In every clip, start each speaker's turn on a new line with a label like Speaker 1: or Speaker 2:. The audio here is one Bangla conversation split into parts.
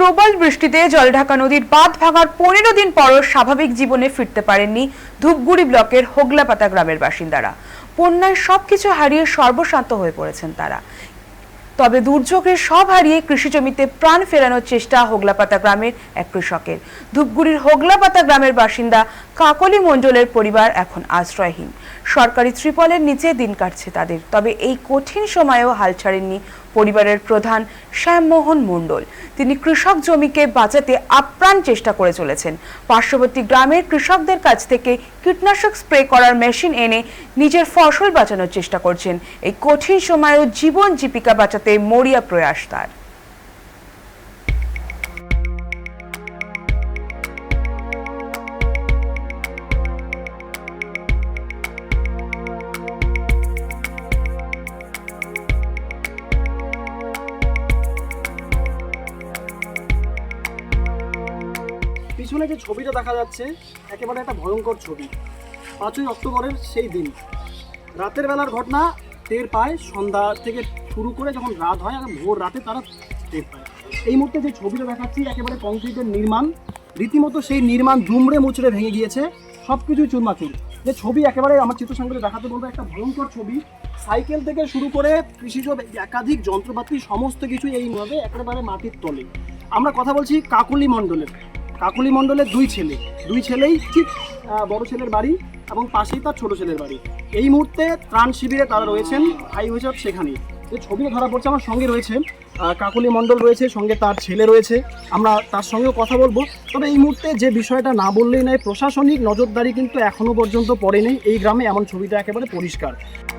Speaker 1: প্রবল বৃষ্টিতে জলঢাকা নদীর বাঁধ ভাঙার 15 দিন পরও স্বাভাবিক জীবনে ফিরতে পারেননি ধূপগুড়ি ব্লকের হোগলাপাতা গ্রামের বাসিন্দারা। বন্যায় সবকিছু হারিয়ে সর্বশান্ত হয়ে পড়েছেন তারা। তবে দুর্যোগের সব হারিয়ে কৃষি জমিতে প্রাণ ফেরানোর চেষ্টা হোগলাপাতা গ্রামের এক কৃষকের। ধূপগুড়ির হোগলাপাতা গ্রামের বাসিন্দা কাকলি মণ্ডলের পরিবার এখন আশ্রয়হীন। সরকারি ত্রিপলের নিচে দিন কাটছে তাদের। তবে এই কঠিন সময়েও হাল ছাড়েননি পরিবারের প্রধান শ্যামমোহন মণ্ডল। তিনি কৃষক জমিকে বাঁচাতে আপ্রাণ চেষ্টা করে চলেছেন। পার্শ্ববর্তী গ্রামের কৃষকদের কাছ থেকে কীটনাশক স্প্রে করার মেশিন এনে নিজের ফসল বাঁচানোর চেষ্টা করছেন। এই কঠিন সময়েও জীবন জীবিকা বাঁচাতে মরিয়া প্রয়াস তার।
Speaker 2: পিছনে যে ছবিটা দেখা যাচ্ছে একেবারে একটা ভয়ঙ্কর ছবি। 5ই অক্টোবরের সেই দিন রাতের বেলার ঘটনা টের পায় সন্ধ্যা থেকে শুরু করে যখন রাত হয় আর ভোর রাতে তারা টের পায়। এই মুহূর্তে যে ছবিটা দেখাচ্ছি একেবারে কংক্রিটের নির্মাণ, রীতিমতো সেই নির্মাণ দুমড়ে মুচড়ে ভেঙে গিয়েছে, সব কিছুই চুরমাচুর। যে ছবি একেবারে আমার চিত্রসংগ্রহে দেখাতে বলবো, একটা ভয়ঙ্কর ছবি। সাইকেল থেকে শুরু করে কৃষিজ একাধিক যন্ত্রপাতি সমস্ত কিছু এইভাবে একেবারে মাটির তলে। আমরা কথা বলছি কাকলি মণ্ডলের দুই ছেলেই ঠিক বড় ছেলের বাড়ি এবং পাশেই তার ছোট ছেলের বাড়ি। এই মুহূর্তে ত্রাণ শিবিরে তারা রয়েছেন, ভাই হিসাব সেখানেই। যে ছবিটা ধরা পড়ছে, আমার সঙ্গে রয়েছে কাকলি মণ্ডল রয়েছে, সঙ্গে তার ছেলে রয়েছে, আমরা তার সঙ্গেও কথা বলবো। তবে এই মুহূর্তে যে বিষয়টা না বললেই নয়, প্রশাসনিক নজরদারি কিন্তু এখনো পর্যন্ত পড়েনি এই গ্রামে, এমন ছবিটা একেবারে পরিষ্কার।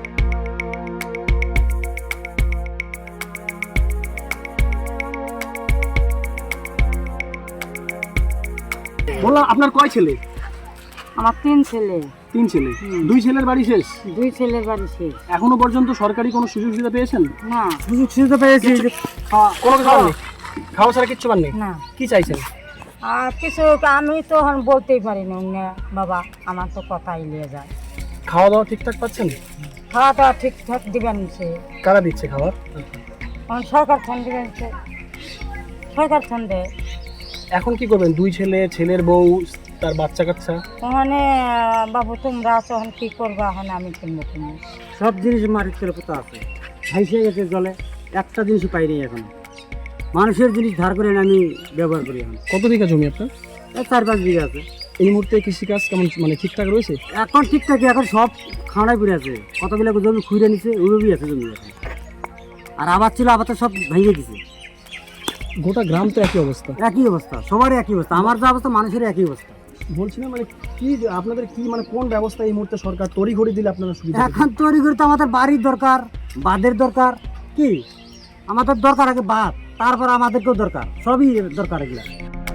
Speaker 2: বললাম আপনার কয় ছেলে?
Speaker 3: আমার 3 ছেলে।
Speaker 2: 3 ছেলে। 2 ছেলের বাড়ি শেষ?
Speaker 3: 2 ছেলের বাড়ি শেষ।
Speaker 2: এখনো পর্যন্ত সরকারি কোনো সুযোগ সুবিধা পেয়েছেন?
Speaker 3: না, সুযোগ সুবিধা পেয়েছি
Speaker 2: কোনো কিছু পাননি? খাওয়া ছাড়া কিচ্ছু পাননি?
Speaker 3: না।
Speaker 2: কি চাইছেন?
Speaker 3: আর কিছু আমি তো এখন বলতেই পারি না বাবা, আমার তো কথাই নিয়ে যায়।
Speaker 2: খাওয়া দাওয়া ঠিকঠাক পাচ্ছেন?
Speaker 3: খাওয়া দাওয়া ঠিকঠাক দিবেন সে।
Speaker 2: কারা দিচ্ছে খাবার?
Speaker 3: সরকার ফোন দিবেন সে, সরকার ফোন দেয়।
Speaker 2: এখন কি করবেন? 2 ছেলে, ছেলের বউ, তার বাচ্চা কাচ্চা।
Speaker 3: ওখানে বাবু তোমরা আছো, এখন কি করবা? এখন আমি কিনবো কিনবো
Speaker 4: সব জিনিস মাটির তলে পোতা আছে, ভাইসে গেছে জলে, একটা জিনিসও পাইনি এখন। মানুষের জিনিস ধার করে এনে আমি ব্যবহার করি। এখন
Speaker 2: কত বিঘা জমি আপনার?
Speaker 4: 4-5 বিঘা আছে।
Speaker 2: এই মুহূর্তে কৃষিকাজ কেমন, মানে ঠিকঠাক রয়েছে?
Speaker 4: এখন ঠিকঠাকই, এখন সব খাওয়াই পড়ে আছে। কতগুলো জমি খুঁড়ে নিছে, ওইভাবেই আছে জমি এখন। আর আবার ছিল, আবার তো সব ভেঙে দিছে।
Speaker 2: গোটা গ্রাম তো একই অবস্থা।
Speaker 4: একই অবস্থা, সবারই একই অবস্থা, আমার যা অবস্থা মানুষের একই অবস্থা।
Speaker 2: বলছিলাম মানে কি আপনাদের কি মানে কোন ব্যবস্থা এই মুহূর্তে সরকার তড়িঘড়ি দিলে আপনারা সুবিধা?
Speaker 4: এখন তৈরি করতে আমাদের বাড়ির দরকার, বাঁধের দরকার। কি আমাদের দরকার আগে বাঁধ, তারপর আমাদেরকেও দরকার, সবই দরকার এগুলা।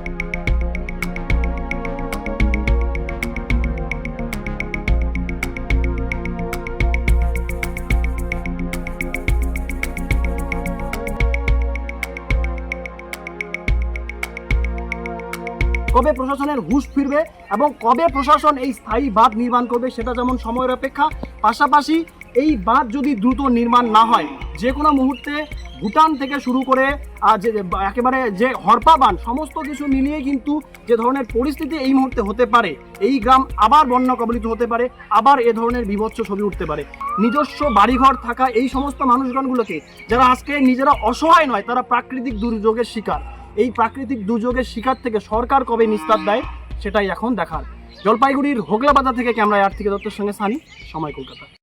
Speaker 2: কবে প্রশাসনের হুঁশ ফিরবে এবং কবে প্রশাসন এই স্থায়ী বাঁধ নির্মাণ করবে সেটা যেমন সময়ের অপেক্ষা। পাশাপাশি এই বাঁধ যদি দ্রুত নির্মাণ না হয়, যে কোনো মুহূর্তে ভুটান থেকে শুরু করে যে একেবারে যে হরপা বান সমস্ত কিছু মিলিয়ে কিন্তু যে ধরনের পরিস্থিতি এই মুহূর্তে হতে পারে, এই গ্রাম আবার বন্যা কবলিত হতে পারে, আবার এ ধরনের বিভৎস ছবি উঠতে পারে। নিজস্ব বাড়িঘর থাকা এই সমস্ত মানুষগণগুলোকে, যারা আজকে নিজেরা অসহায় নয়, তারা প্রাকৃতিক দুর্যোগের শিকার, এই প্রাকৃতিক দুর্যোগের শিকার থেকে সরকার কবে নিস্তার দেয় সেটাই এখন দেখার। জলপাইগুড়ির হোগলাপাতা থেকে ক্যামেরায় আর্থিক দত্তের সঙ্গে সানি, সময় কলকাতা।